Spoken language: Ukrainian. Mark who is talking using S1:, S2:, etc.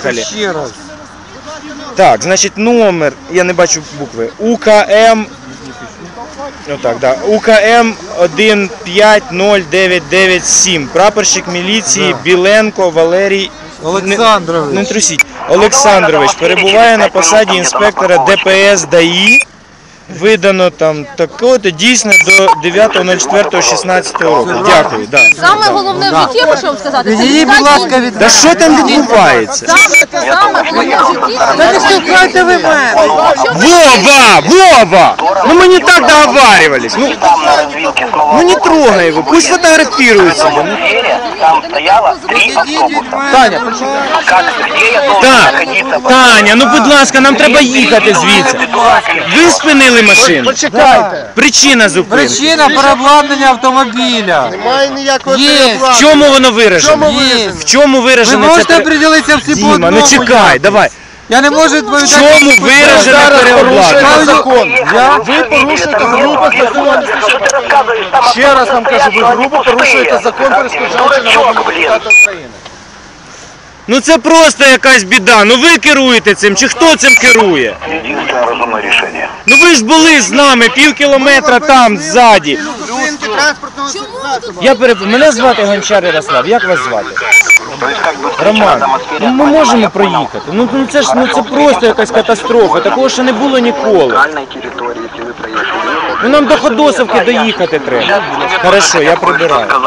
S1: Поїхали.
S2: Ще раз.
S1: Так, значить номер, я не бачу букви, УКМ, отак, да, УКМ 150997, прапорщик міліції Біленко Валерій
S2: Олександрович.
S1: Не трусіть. Олександрович перебуває на посаді інспектора ДПС ДАІ. Видано там такого-то, дійсно до 9.04.16 року. Дякую. Да.
S3: Саме головне в житті, я хочу вам сказати, це
S2: Відійдіть, будь ласка, від
S1: Да що там відбувається?
S3: саме головне в житті.
S2: Та не штовхайте ви мене!
S1: Вова! Ну мы не так договаривались. Ну не трогай его, пусть фотографирует себя. Ну.
S4: Там стояло 3 автобуса.
S1: Таня,
S4: Как, где я должен
S1: так,
S4: находиться?
S1: Таня, ну будь ласка, нам треба їхати звідси. Ви спинили машину?
S2: Почекайте.
S1: Причина зупинки.
S2: Причина переобладнання автомобіля.
S5: Немає ніякого
S2: Є.
S1: В чому воно виражено?
S2: Є.
S1: В чому
S2: Ви
S1: виражено
S2: можете
S1: це?
S2: приділитися всі по
S1: Діма,
S2: одному.
S1: ну чекай, давай.
S2: Я не можу
S1: В
S2: відповідати.
S1: чому виражено переобладнання?
S5: закон. Ви порушуєте грубо закони. Ще раз вам кажу, ви грубо порушуєте закон, перешкоджаючи народному депутату України.
S1: Ну це просто якась біда. Ну ви керуєте цим, чи хто цим керує?
S4: Единственное разумное решение.
S1: Ну ви ж були з нами пів кілометра там, ззаді.
S5: Зупинки транспортного засобу.
S1: Мене звати Гончар Ярослав, як вас звати?
S4: То есть как бы
S1: Роман, ну ми можемо проїхати. Ну це ж це просто якась катастрофа, такого ще не було ніколи.
S4: территории, если вы проехали.
S1: Ну нам до Ходосовки доїхати треба. Хорошо, я прибираю.